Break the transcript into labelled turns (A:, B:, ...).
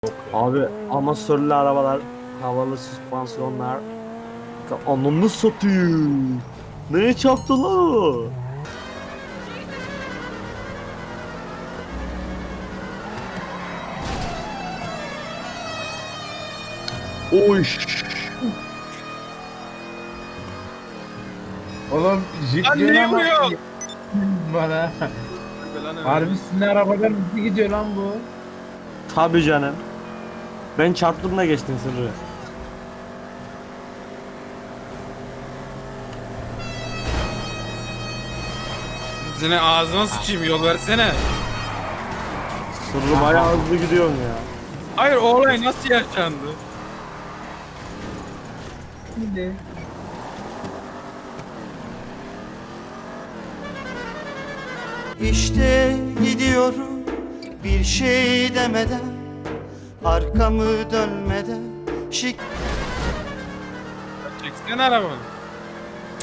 A: Abi amasörlü arabalar, havalı süspansiyonlar. Anlamını satayım. Neye çarptı lan o? Oy.
B: Oğlum jip
C: Lan
B: diyor
C: niye
B: ama
C: vuruyor?
B: bana. Harbi sizin arabadan hızlı gidiyor lan bu.
A: Tabii canım. Ben çarptım da geçtin Sırrı.
C: Senin ağzına sıçayım, yol versene.
A: Sırrı bayağı hızlı gidiyorsun ya.
C: Hayır, o olay nasıl yaşandı?
D: İşte gidiyorum bir şey demeden, arkamı dönmeden.
C: Çeksene arabanı.